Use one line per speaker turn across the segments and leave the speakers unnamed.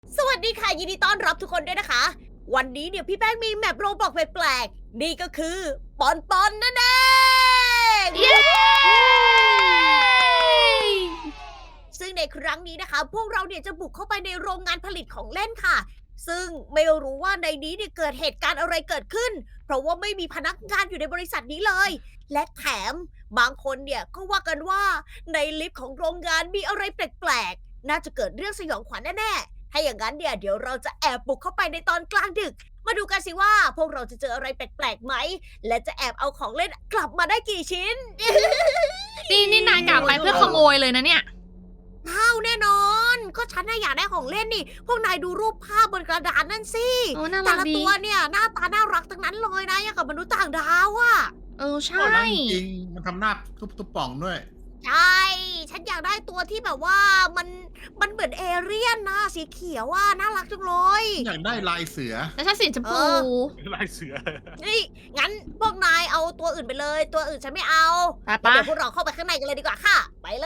สวัสดีค่ะยินดีต้อนรับทุกคนด้วยนะคะ วันนี้เนี่ยพี่แป้งมีแมปโรบอกแปลกๆนี่ก็คือปอนปอนนั่นเอง
เย้
ซึ่งในครั้งนี้นะคะ พวกเราเนี่ยจะบุกเข้าไปในโรงงานผลิตของเล่นค่ะ ซึ่งไม่รู้ว่าในนี้เนี่ยเกิดเหตุการณ์อะไรเกิดขึ้น เพราะว่าไม่มีพนักงานอยู่ในบริษัทนี้เลย และแถมบางคนเนี่ยก็ว่ากันว่าในลิฟต์ของโรงงานมีอะไรแปลกๆน่าจะเกิดเรื่องสยองขวัญแน่ๆถ้าอย่างนั้นเนี่ยเดี๋ยวเราจะแอบบุกเข้าไปในตอนกลางดึก มาดูกันสิว่าพวกเราจะเจออะไรแปลกๆไหม และจะแอบเอาของเล่นกลับมาได้กี่ชิ้น
นี่นายกลับไปเพื่อขโมยเลยนะเนี่ย
เอาแน่นอน ก็ฉันน่ะอยากได้ของเล่นนี่ พวกนายดูรูปภาพบนกระดานนั่นสิ
โอ้น่า
แต่
รัก
ละ
ดี
ตัวเนี่ยหน้าตาน่ารักทั้งนั้นเลยนะอย่างกับมนุษย์ต่างดาวอะ
ใช่
ก็นั่นจริงมันทำหน้าทุบป่องด้วย
ใช่ ฉันอยากได้ตัวที่แบบว่ามันเหมือนเอเลี่ยนนะสีเขียวอ่ะน่ารักจังเลย
อยากได้ลายเสือ
แล้วฉันสีชมพู
ลายเสือ
นี่งั้นพวกนายเอาตัวอื่นไปเลย ตัวอื่นฉันไม่เอา
ไป
แล้ว
ปะ
เดี๋ยวพวกเราเข้าไปข้างในกันเลยดีกว่าค่ะ ไปเลย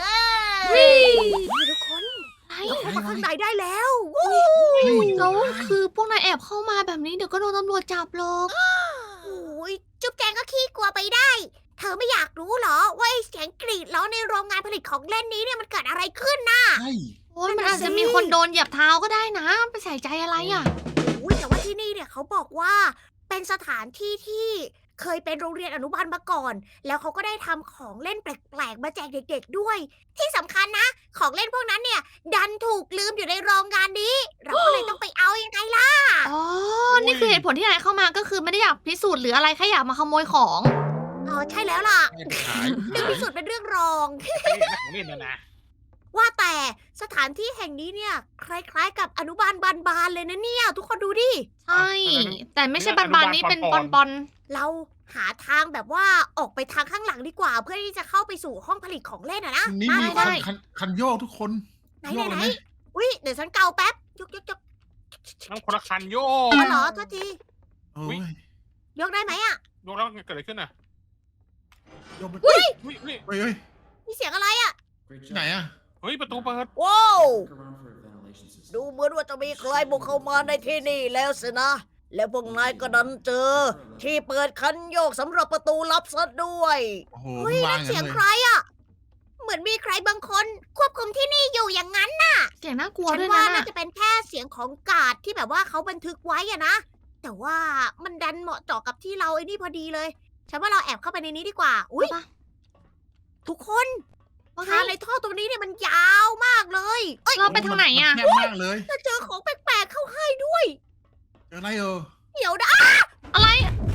วิ่
นี่ทุกคน
ไอ้
เราเข้ามาข้างในได้แล้ววู้
แล้วคือพวกนายแอบเข้ามาแบบนี้เดี๋ยวก็โดนตำรวจจับหรอก
โอ้ยจุ๊บแจงก็ขี้กลัวไปได้ เธอไม่อยากรู้เหรอว่าไอ้เสียงกรีดร้องในโรงงานผลิตของเล่นนี้เนี่ยมันเกิดอะไรขึ้นนะ
ใช่
โอ้ยมันอาจจะมีคนโดนเหยียบเท้าก็ได้นะ ไปใส่ใจอะไรอ่ะ
อุ้ยแต่ว่าที่นี่เนี่ยเขาบอกว่าเป็นสถานที่ที่เคยเป็นโรงเรียนอนุบาลมาก่อน แล้วเขาก็ได้ทำของเล่นแปลกๆมาแจกเด็กๆด้วย ที่สำคัญนะ ของเล่นพวกนั้นเนี่ย ดันถูกลืมอยู่ในโรงงานนี้ เราก็เลยต้องไปเอายังไงล่ะ
อ๋อ นี่คือเหตุผลที่นายเข้ามาก็คือไม่ได้อยากพิสูจน์หรืออะไรแค่อยากมาขโมยของ
อ๋อใช่แล้วล่ะ
ให้ขาย
เรื่องพิสูจน์เป็นเรื่องรอง
ของเล่นนะ
ว่าแต่สถานที่แห่งนี้เนี่ย คล้ายๆกับอนุบาลบานๆเลยนะเนี่ย ทุกคนดูดิ
ใช่ แต่ไม่ใช่บานๆนี้เป็นปอน
เราหาทางแบบว่าออกไปทางข้างหลังดีกว่า เพื่อที่จะเข้าไปสู่ห้องผลิตของเล่นอะนะ
นี่
มา
มี
เลย
คันโยกทุกคน
ไหน
โยกเลย
ไหน
ไหม
อุ้ยเดี๋ยวฉันเกาแป๊บยก
น้ำคนละคันโย
อ๋อเหรอโทษที
โอ้ย
ยกได้ไหมอะ
โยแล้วเกิดอะไรขึ้นอ่ะ
โยกไป
เฮ้ย
เฮ้ย
มีเสียงอะไรอะ
ที่ไหนอะ
เฮ้ยประตูเปิด
ว้าวดูเหมือนว่าจะมีใครบุกเข้ามาในที่นี่แล้วสินะ แล้วพวกนายก็ดันเจอ ที่เปิดคันโยกสำหรับประตูลับซะด้วย
โอ้โห
เฮ้ย
วา
นั่
ง
น
อ
เสีย
ย่าง ง
ใค
เล
ร
ย
อะเหมือนมีใครบางคนควบคุมที่นี่อยู่อย่างนั้น
ๆ เสียงน่ากลัว
ฉัน
ด้วย
ว่า
นะ
น่าจะเป็นแค่เสียงของกาดที่แบบว่าเขาบันทึกไว้อะนะ แต่ว่ามันดันเหมาะเจาะกับที่เราไอ้นี่พอดีเลย ฉันว่าเราแอบเข้าไปในนี้ดีกว่า อุ้ย
ปะ
ทุกคน
ว่าไง
ทางในท่อตรงนี้เนี่ยมันยาวมากเลย เอ้ย
เราไปทางไหนอ่ะ
แคบมากเลย
จะเจอของแปลกๆเข้าให้ด้วย
เจออะไรเออ
เดี๋ยวนะ
อะไร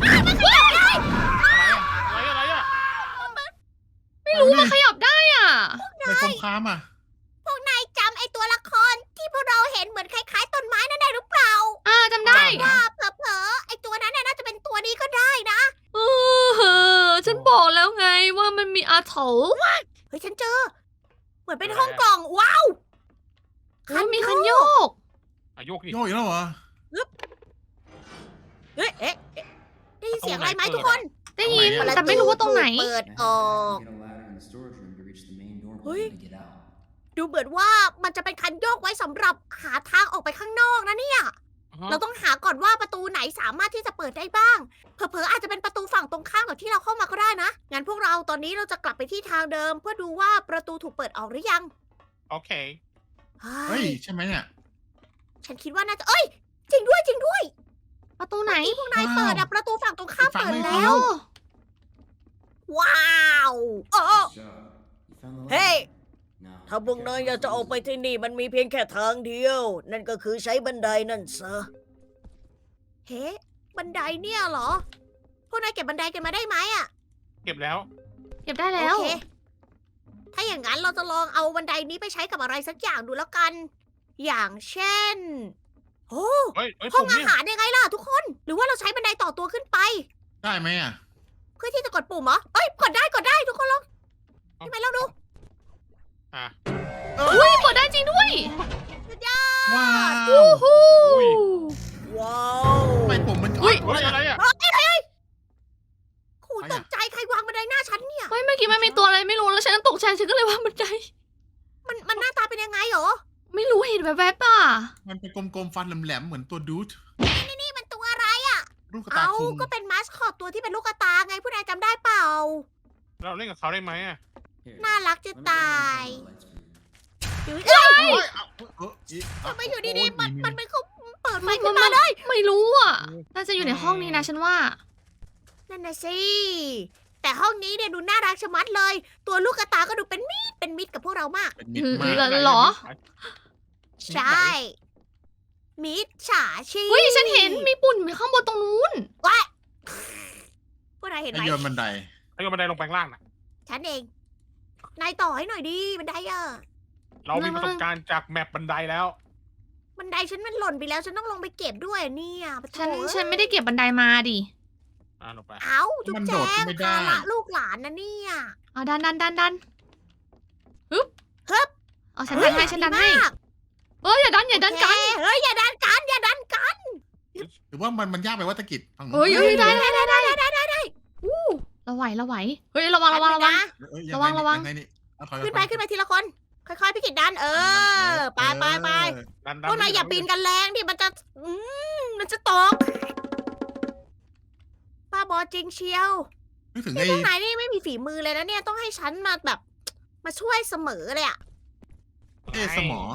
อะไรอ่ะ
ไม่รู้มันขยับได้อ่ะ
ในสงครามอ่ะ
พวกนายจำไอ้ตัวละครที่พวกเราเห็นเหมือนคล้ายๆต้นไม้นั่นได้หรือเปล่า
จำได้
ว่าเผลอๆไอ้ตัวนั้นน่ะน่าจะเป็นตัวนี้ก็ได้นะ
ฉันบอกแล้วไงว่ามันมีอาถรรพ์
เฮ้ยฉันเจอ เหมือนเป็นห้องกล่อง ว้าว
มีคันโยก
โยกดิ
โยกอีกแล้วเหรอ
เอ๊ะได้ยินเสียงอะไรไหมทุกคน
ได้ยิน
ตรงไหนอะ
แต่ไม่รู้ว่าตรงไหน
เปิดออก
เฮ้ย
ดูเหมือนว่ามันจะเป็นคันโยกไว้สำหรับหาทางออกไปข้างนอกนะเนี่ย เราต้องหาก่อนว่าประตูไหนสามารถที่จะเปิดได้บ้าง เผลอๆอาจจะเป็นประตูฝั่งตรงข้ามกับที่เราเข้ามาก็ได้นะ งั้นพวกเราตอนนี้เราจะกลับไปที่ทางเดิม เพื่อดูว่าประตูถูกเปิดออกหรือยัง
โอเค
เฮ้ยใช่ไหมเนี่ย
ฉันคิดว่าน่าจะ เอ้ย จริงด้วยจริงด้วย
ประตูไหน
ที่พวกนายเปิดอะประตูฝั่งตรงข้าม
ฝั่ง
เปิด
ไม่
แล้ว ว้าวโอ้เฮ้ย ถ้าพวกนายอยากจะออกไปที่นี่มันมีเพียงแค่ทางเดียว นั่นก็คือใช้บันไดนั่นซะ เฮ้ บันไดเนี่ยเหรอ พวกนายเก็บบันไดกันมาได้ไหมอะ
เก็บแล้ว
เก็บได้แล้ว
โอเค ถ้าอย่างนั้นเราจะลองเอาบันไดนี้ไปใช้กับอะไรสักอย่างดูแล้วกัน อย่างเช่น โอ้
เฮ้ย
ห้อง
ผม
อา
เนี่ย
หารยังไงล่ะทุกคน หรือว่าเราใช้บันไดต่อตัวขึ้นไป
ได้ไหมอ่ะ
เพื่อที่จะกดปุ่มเหรอ เอ้ย กดได้ทุกคนลองทำไมเราดู
อ่ะ
อุ้ยเปิดได้จริงด้วย
สุดยอด
ว้าว
อุ้ย
ว้าว
ทำไมผมมัน
อุ๊ย
เฮ้ยอะไรอ่ะ
โอ้ยตกใจใครวางบันไดหน้าฉันเนี่ย
เฮ้ยเมื่อกี้มันมีตัวอะไรไม่รู้แล้วฉันก็ตกใจฉันก็เลยว่ามันใจ
มันหน้าตาเป็นยังไงเหรอ
ไม่รู้เห็นแวบๆอ่ะ
มันเป็นกลมๆฟันแหลมๆเหมือนตัวดูด
นี่มันตัวอะไร
ลูกกระตา
เอา
คุง
ก็เป็นมาสคอตตัวที่เป็นลูกกระตาไงผู้นายจำได้เปล่า
เราเล่นกับเขาได้ไหมอะ
น่ารักจะตายอยู่
เอ้ยเอาอี
ทำไมอยู่ดีๆ มัน
โอ้ย
มันเขาเปิดไฟ
มัน
ขึ้นมาเลย
ไม่รู้อ่ะ น่าจะอยู่ในห้องนี้นะฉันว่า
นั่นน่ะสิ แต่ห้องนี้เนี่ยดูน่ารักชะมัดเลย ตัวลูกกระตาก็ดูเป็นมิตรกับพวกเรามาก
เป็นมิตรมาก
เหรอ
ใช่ มิตรฉาชีพ
เฮ้ยฉันเห็นมีปุ่นอยู่ข้างบนตรงนู้น
ว้ายพวกนายเห็นไห
ไอ้
ม
โยนบันได
ไอ้โยนบันไดลงไปข้างล่างน่ะ
ฉันเอง นายต่อให้หน่อยดิบันไดอะ
เรามีประสบการณ์จากแมปบันไดแล้ว
บันไดฉันมันหล่นไปแล้ว ฉันต้องลงไปเก็บด้วยเนี่ยปะโถ
ฉันไม่ได้เก็บบันไดมาดิ
ลงไป
เอ้าจุ๊บ
มัน
แจ
โดด
ง
ขึ้นไม่ได้
ภาระลูกหลานนะเนี่ย
เอาดันฮึบ
ฮึบ
เอาฉันดันให้ฉันดันให้
ดีมาก
เอ้ยอย่าดันกัน
โอเคเฮ้ยอย่าดันกันอย่าดันกัน
หรือว่ามันยากไปวัตกิจฝั่งนู้น
เฮ้ยได้
ได้
เราไหวเฮ้ยระวัง
นะ
เอ้ย
ระวัง
ยัไนี่เอาถอย
ขึ้นไปทีละคน ค่อยๆพี่กิดดันไป
ดัน
พวกนายอย่าปีนกันแรงดิมันจะมันจะตกป้าบอจริงเชียว
นึกถึง
นี่
ไอ้
พวกนายนี่ไม่มีฝีมือเลยนะเนี่ยต้องให้ฉันมาแบบ มาช่วยเสมอเลยอะ
สมอ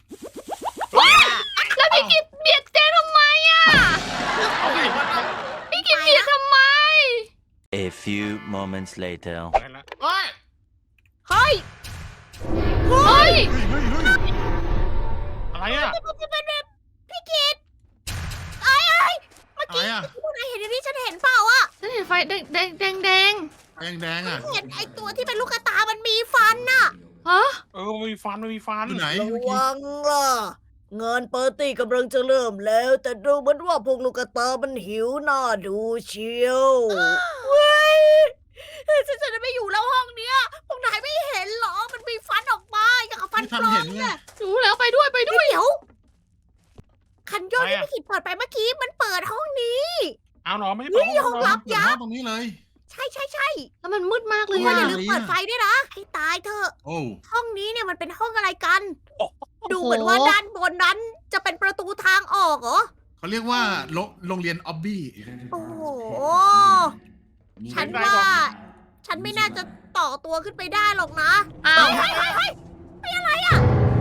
แล้วพี่กิจเบียดเจทำไมอ่ะ
เอาดิ
พี่กิจเบียดทำไม
A few moments later.
ได้ละ
เฮ้ย
เฮ้ย
เฮ้ย
เฮ้ย
อะไรอะ
พี่กิดเมื่อ
อะไร
กี้
อ่ะ
พวกนายเห็นอย่างที่ฉันเห็นเปล่าอะ
ฉันเห็นไฟแดง
ไฟแดงอ่ะ
เห็นไอตัวที่เป็นลูกกระตามันมีฟันน่ะ
ฮะ
มันมีฟัน
อยู่ไหน
ระ
เมื่อกี้
วังล่ะงานปาร์ตี้กำลังจะเริ่มแล้ว แต่ดูเหมือนว่าพวกลูกกระตามันหิวหน้าดูเชียวเว้ยฉันจะไม่อยู่แล้วห้องเนี้ยพวกนายไม่เห็นเหรอมันมีฟันออกมาอย่างกับฟัน
ไม่
ปล
ทัน
อ
เห็
ม
นไง
เนี่ย
รู้แล้วไปด้วย
เดี๋ยวคันโยกที่พี่กิดเปิดไปเมื่อกี้มันเปิดห้องนี้
เอาเหรอไม่ได้
เฮ้
เปิด
ยห้องลับ
เปิดห้องตรงนี้เลย
ใช่
แล้วมันมืดมากเลย
ว่า
อ่ะ
อย่าลืมเปิดไฟด้วยนะให้ตายเถอะ
โอ้
ห้องนี้เนี่ยมันเป็นห้องอะไรกัน ดูเหมือนว่าด้านบนนั้นจะเป็นประตูทางออกเหรอ
เขาเรียกว่าโรงเรียนออบบี้
โอ้โห ฉันว่า ฉันไม่น่าจะต่อตัวขึ้นไปได้หรอกนะ
อ้าว
เฮ้ย
อะไรอ่ะ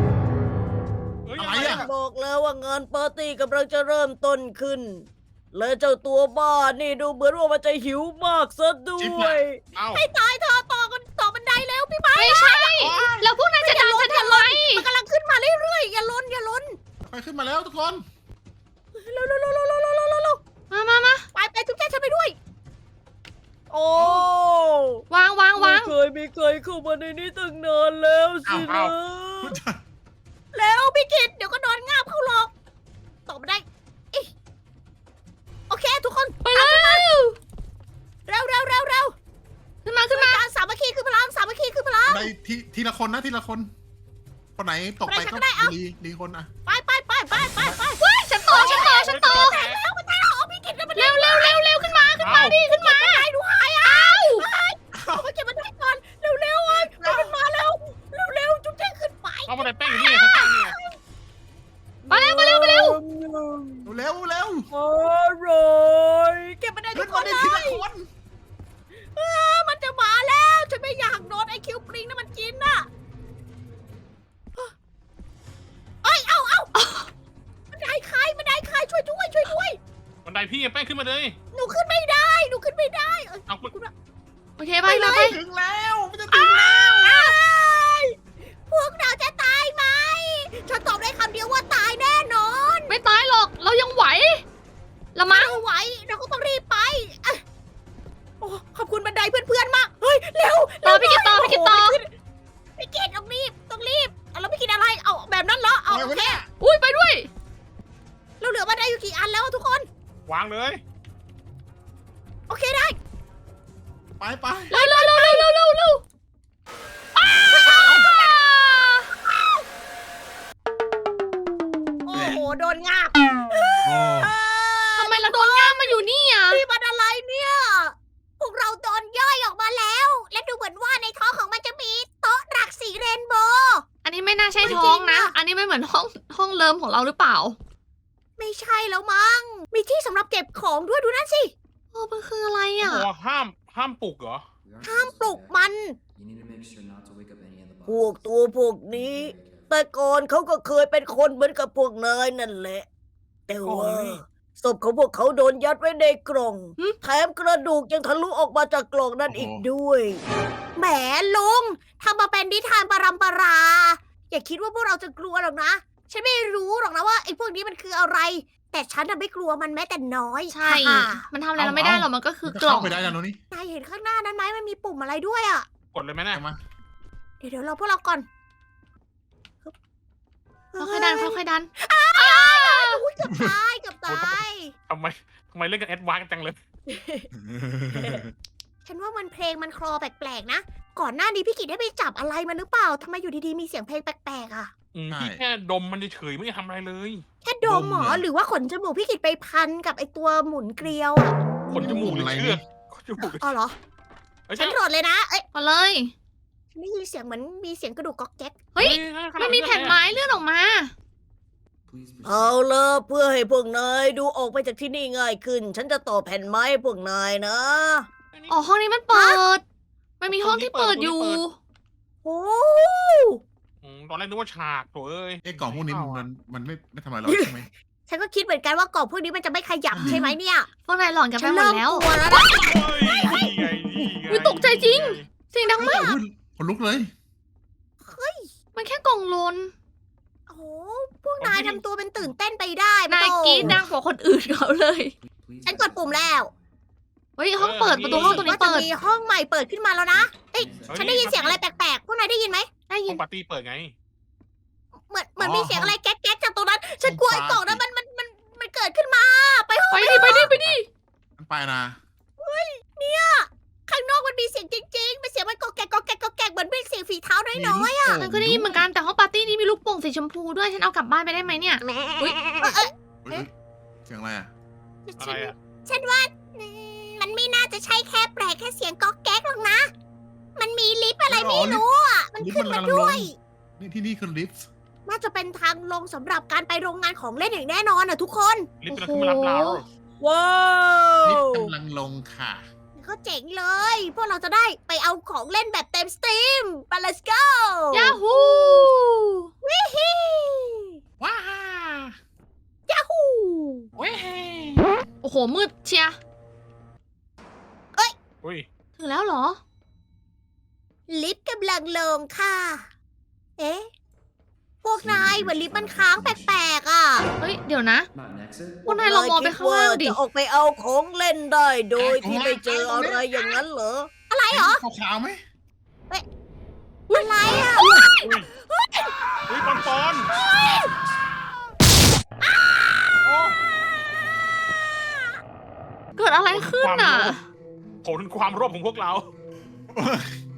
บอกแล้วว่างานปาร์ตี้กำลังจะเริ่มต้นขึ้น และเจ้าตัวบ้านี่ดูเหมือนว่ามันจะหิวมากซะด้วย
เอา
ให้ตายเธอต่อบันไดแล้วพี่ไม้
ไม่ใช่ แล้วพวกนายจะดันฉันทำไม
มันกำลังขึ้นมาเรื่อยๆอย่าล้น
ไปขึ้นมาแล้วทุกคน
เร็ว
มา
ไปจุ๊บแจ๊ฉันไปด้วย โอ้
วาง
ไม่เคยมีใครเข้ามาในนี้ตั้งนานแล้วสินะแล้วพี่กิตเดี๋ยวก็นอนงาบเข้าหรอกตอบไม่ได้โอเคทุกคน
ไปแล้ว
เร็ว
ขึ้นมา
การสามัคคีคือพลังสามัคคีคือพลัง
ในทีละคนนะทีละคน คนไหนตกไปก็ดีคนอ่ะ
ไป
ฉันต่อ
แตกแล้วมันแตกแล้วอ๋อพี่กิตมัน
เร็วขึ้นมาดิขึ้นมา
ได้ดูหายอ้าวเอาไปเก็บมันได้ก่อนเร็วๆมันมาแล้วเร็วจุ๊บแจ๊ขึ้นไป
เอาบันไดแป้งอยู่นี่ข้างๆเนี่ย
มาเร็ว
เร็ว
อร่อยเก็บมันได้ทุ
ขึ้
ก
น
ค
มาน ได้
เล
ทีละ
ย
คน
มันจะมาแล้วฉันไม่อยากโดนไอ้คิวปริงนั่นมันกินน่ะเอ้ยเอามันได้ใครช่วยด้วย
บันไดพี่แป้งขึ้นมาเลย
หนูขึ้นไม่ได้เอ้ย
เอา
โอเคไป
ถึงแล้วมันจะถึงแล้ว
พวกเราจะตายไหมฉันตอบได้คำเดียวว่าตายแน่นอน
ไม่ตายหรอก เรายังไหวละมั้ง
เราไหวเราก็ต้องรีบไปอ่ะโอ้ขอบคุณบันไดเพื่อนๆมากเฮ้ยเร็ว
ต่อพี่กิตต่อ
พี่กิตต้องรีบแล้วพี่กิตอะไรเอาแบบนั้นเหรอเอาโอเค
อุ้ยไปด้วย
เราเหลือบันไดอยู่กี่อันแล้วทุกคน
วางเลย
โอเคได้
ไป
เร็ว
โอ้โหโดนงาบ
ทำไมเราโดนง่ามมาอยู่นี่อ่ะ
นี่มันอะไรเนี่ย พวกเราโดนย่อยออกมาแล้ว และดูเหมือนว่าในท้องของมันจะมีโต๊ะหลักสีเรนโบว์
อันนนี้ไม่น่าใช่ท้องนะ อันนี้ไม่เหมือนห้องเลิมของเราหรือเปล่า
ไม่ใช่แล้วมั้ง มีที่สำหรับเก็บของด้วยดูนั่นสิ
โอ้มันคืออะไร
โอ้
อ่ะ
โหห้ามปลุกเหรอ
ห้ามปลุกมัน พวกตัวพวกนี้ แต่ก่อนเขาก็เคยเป็นคนเหมือนกับพวกนายนั่นแหละ แต่ว่าศพของพวกเขาโดนยัดไว้ในกล่อง
หึ
แถมกระดูกยังทะลุออกมาจากกล่องนั่นอีกด้วย แหมลุงทำมาเป็นนิทานปรัมปรา อย่าคิดว่าพวกเราจะกลัวหรอกนะ ฉันไม่รู้หรอกนะว่าไอ้พวกนี้มันคืออะไร แต่ฉันน่ะไม่กลัวมันแม้แต่น้อย
ใช่
ฮ่า
มันทำอะไรเราไม่ได้หรอกมันก็คื
มั
อน
จะ
กล่อ
เข้าง ไปได้แล้วนี่
นายเห็นข้างหน้านั้นไหมมันมีปุ่มอะไรด้วยอ่ะ
กดเลยไหมเนี่ย
ใช่ไหม
เดี๋ยวเราพวกเราก่อน
ค่อยๆดันค่อยๆดัน
อุ๊ยเกือบตายเกือบตาย
ทำไมเล่นกันแอดวานซ์กันจังเลย
ฉันว่ามันเพลงมันคลอแปลกๆนะ ก่อนหน้านี้พี่กิจได้ไปจับอะไรมันหรือเปล่าทำไมอยู่ดีๆมีเสียงเพลงแปลกๆอ่ะ
พี่แค่ดมมันเฉยๆไม่ได้ทำอะไรเลย
แค่ดมเหรอหรือว่าขนจมูกพี่กิจไปพันกับไอตัวหมุนเกลียวอ่ะ
ขนจมูกหรือเชือกขนจมูกหรือ
อ๋อเหรอ
เอ้ย
ฉันโหลดเลยนะ เอ้ย
มาเลย
ฉันได้ยินเสียงเหมือนมีเสียงกระดูกก๊อกแก๊ก
เฮ้ย มันมีแผ่นไม้เลื่อนออกมา
เอาละเพื่อให้พวกนายดูออกไปจากที่นี่ง่ายขึ้น ฉันจะต่อแผ่นไม้ให้พวกนายนะ
อ๋อห้องนี้มันเปิด มันมีห้องที่เปิดอยู่
โอ้
ตอนแรกนึกว่าฉากโถเอ้ย
ไอ้กล่องพวกนี้มันไม่ทำอะไรเราใช่ไหม
ฉันก็คิดเหมือนกันว่ากล่องพวกนี้มันจะไม่ขยับใช่ไหมเนี่ย
พวกนายหลอนกันไป
ฉัน
หมด
เริ่ม
แล้ว
กลัวแล้วนะ
เฮ้ยนี่ไงนี่ไง
อุ๊ยตกใจจริง เสียงดังมาก
คนลุกเลย
มันแค่กล่องลน
โอ้โหพวกนายทำตัวเป็นตื่นเต้นไปได้
นาย
โต้
กรีดดังกว่าคนอื่นเขาเลย
ฉันกดปุ่มแล้ว
เฮ้ยห้องเปิดประตูห้องตรงนี้
ว่าจะ
เปิด
มีห้องใหม่เปิดขึ้นมาแล้วนะ เอ้ยฉันได้ยินเสียงอะไรแปลกๆ พวกนายได้ยินไหม
ได้ยิ
ห้อน งปาร์ตี้เปิดไง
เหมือนมีเสียงอะไรแก๊กๆจากตรงนั้น ฉันกลัวไอ้กล่องนั้นมันเกิดขึ้นมา ไปห้อง
ไปดิไปดิไปดิ
มันไปนะ
ข้างนอกมันมีเสียงจริงๆเป็นเสียงมันกอกแกกกอกแกกกอกแกกเหมือนเป็นเสียงฝีเท้าน้อย
ฉันก็ได้ยินเหมือนกันแต่ห้องปาร์ตี้นี้มีลูกโป่งสีชมพูด้วย ฉันเอากลับบ้านไปได้ไหมเนี่ย
ๆแหม
อุ๊ย
เสียงอะไรอ่ะ
อะไรอ่ะ
ฉันว่ามันไม่น่าจะใช่แค่แปลกแค่เสียงกอกแก๊กหรอกนะ มันมีลิฟต์อะไรไม่รู้อ่ะ มันขึ้นมาด้วย
นี่ที่นี่คือลิฟต์
น่าจะเป็นทางลงสำหรับการไปโรงงานของเล่นอย่างแน่นอนอ่ะทุกคน
ลิฟต์กำลังขึ้นมารับเรา
ว้า
ลิฟ
ว
ต์กำลังลงค่ะ
ก็เจ๋งเลย พวกเราจะได้ไปเอาของเล่นแบบเต็มสตรีมไป let's go
ยาฮู
วิฮี
ว้าย
าฮู
โอ้โหมืดเชียร์
อุ้ย
ถึงแล้วเหรอ
ลิฟต์กำลังลงค่ะ เอ๊ะ พวกนายเหมือนลิฟต์มันค้างแปลกๆอ่ะ
เฮ้ย เดี๋ยวนะ พวกนายลองมองไปข้างล่างดิ
จะออกไปเอาของเล่นได้โดยที่ไม่เจออะไรอย่างนั้นเหรอ อะไรเหรอ
ขาวๆไหม
อะไรอ่ะ
อุ้ยปอนโอ้
เกิดอะไรขึ้นอ่ะ
ผลความโลภของพวกเรา